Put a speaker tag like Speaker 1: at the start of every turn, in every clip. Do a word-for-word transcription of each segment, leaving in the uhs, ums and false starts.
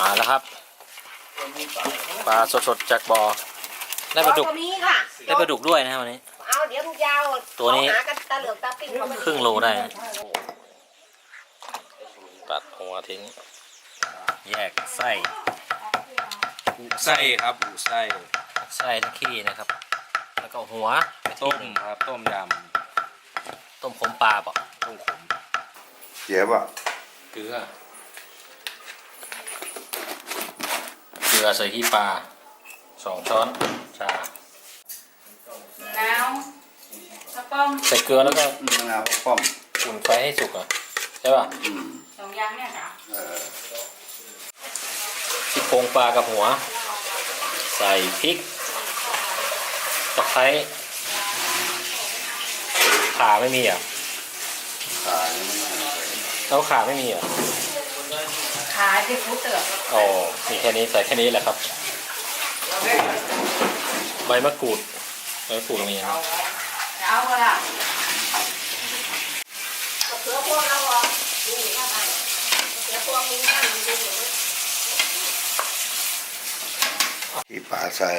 Speaker 1: มาแล้วครับปลาสดๆจากบ่อได้ปลาดุกได้ปลาดุกด้วยนะวันนี้
Speaker 2: เอาเดี๋ยวมึงยาว
Speaker 1: ตัวนี้
Speaker 2: หากันตาเหลือกตาปิ้ง
Speaker 1: ครึ่งโลได้ตัดหัวทิ้งแยกไส้
Speaker 3: ไส้ครับหูไส้
Speaker 1: ไส้ทั้งขี้นะครับแล้วก็หัว
Speaker 3: ต้มครับต้มย
Speaker 1: ำต้มขมปลาป่ะ
Speaker 3: ต้มขม
Speaker 4: เจี๊ยบอ่ะ
Speaker 1: เกลือเกลือใส่ขี้ปลาสองช้อนชา
Speaker 2: แล้วกระป๋อง
Speaker 1: ใส่เกลือแล้วก็
Speaker 4: มะนาวป้อม
Speaker 1: อุ่นไฟให้สุกอ่ะใช่ป่ะ
Speaker 2: สองอย่างเนี่ยค่ะ
Speaker 1: ซี่โครงปลากับหัวใส่พริกตะไคร้ขาไม่มีอ่ะ
Speaker 4: ขา
Speaker 1: แล้วขาไม่มีอ่ะ
Speaker 2: ขาที่ฟูเตอร์
Speaker 1: อ๋อมีแค่นี้ใส่แค่นี้แหละครับใบมะกรูดใบมะกรูดตรงนี้นะ
Speaker 2: เอาก็ได้เสือพวงเราอ่ะดูข้างในเสือพวงมีนั่นมีดู
Speaker 4: ที่ปลาใส่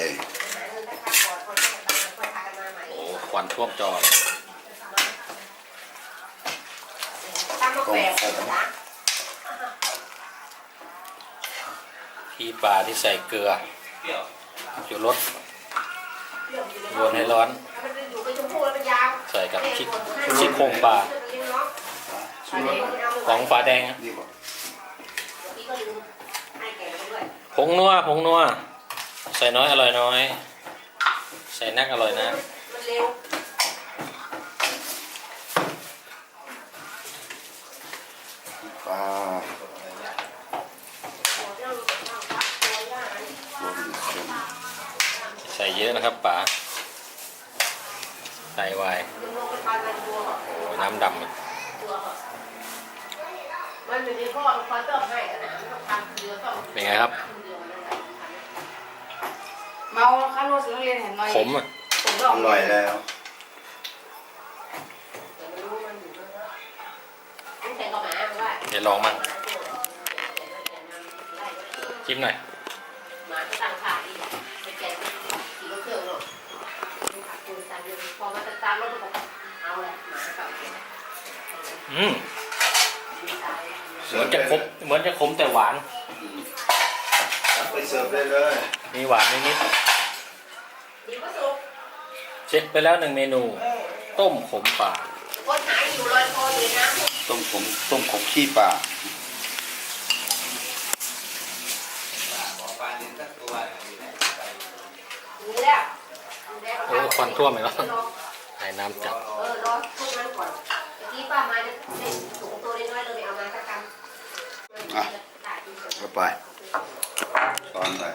Speaker 1: โอ้ควันท่วมจอ
Speaker 4: ต้มขม
Speaker 1: ที่ปลาที่ใส่เกลืออยู่รสวนให้ร้อนใส่กับชิชิโครงปลาของปลาแดงผงนัวผงนัวใส่น้อยอร่อยน้อยใส่นักอร่อยนะ
Speaker 4: ปลา
Speaker 1: ใส่เยอะนะครับป๋าใส่ไวโอ้น้ำดำเป็นไงครับ
Speaker 2: เมาข้าวโรสเรียนเห็นหน่อย
Speaker 1: ขมอ่ะ
Speaker 4: อร่อยแล้ว
Speaker 1: เดี๋ยวลองมั่งชิมหน่อยอืมเหมือนจะขมเหมือนจะขมแต่หวาน
Speaker 4: ไปเสิร์ฟได้เลย
Speaker 1: มีหวานนิดๆเช็คไปแล้วหนึ่งเมนูต้มขมปลา
Speaker 4: ต้มขมต้มขมขี้ปลา
Speaker 1: โอ้ควันท่วมเลยเนาะใส่น้ำจับ
Speaker 2: เออรอทุกนั้นก่อนเมื่อกี้ป้ามาจะได้ถุงตัวน้อยๆเลยไม่เอามาสักกำ
Speaker 4: อ่ะก็ไปตอนไป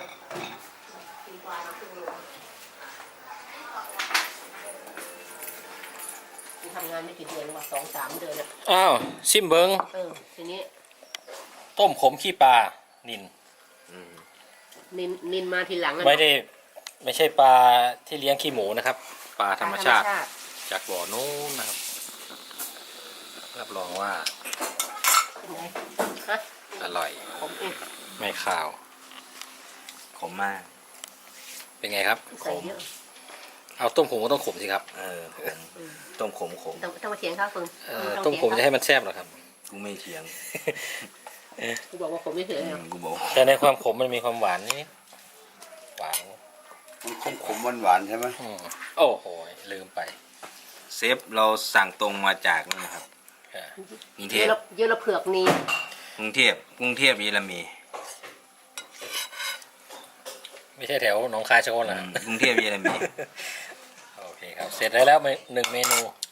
Speaker 2: ทำงานไม่กี่เดือนหรอกสองสามเดือนอ่ะ
Speaker 1: อ้าวชิมเบิ้ง
Speaker 2: เออทีนี้
Speaker 1: ต้มขมขี้ปลานิน
Speaker 2: นินนินมาทีหลัง
Speaker 1: ไม่ได้ไม่ใช่ปลาที่เลี้ยงขี้หมูนะครับปลาธรรมชาติจากบ่อนู้นนะครับรับรองว่าอร่อยไม่ขาว
Speaker 3: ขมมาก
Speaker 1: เป็นไงครับขมเอาต้มขมก็ต้องขมสิครับ
Speaker 3: เออต้มขมขม
Speaker 2: ต้องมาเถียงข้าวฟืน
Speaker 1: ต้มขมจะให้มันแซ่บหรอครับ
Speaker 3: กูไม่เถียง
Speaker 2: กูบอกว่าขมไม่เถียง
Speaker 3: กูบอก
Speaker 1: แต่ในความขมมันมีความหวานนี่หวาน
Speaker 4: มันขมขมหวานหวานใช่ไหม
Speaker 1: โอ้โหลืมไป
Speaker 3: เซฟเราสั่งตรงมาจากนี่นะครับกรุงเทพ
Speaker 2: เยอะละเผือกนี่
Speaker 3: กรุงเทพกรุงเทพเยอรมี
Speaker 1: ไม่ใช่แถวหนองคายชะโคนหรอก
Speaker 3: รุงเทพเยอรมี
Speaker 1: โอเคครับเสร็จได้แล้วหนึ่งเมนู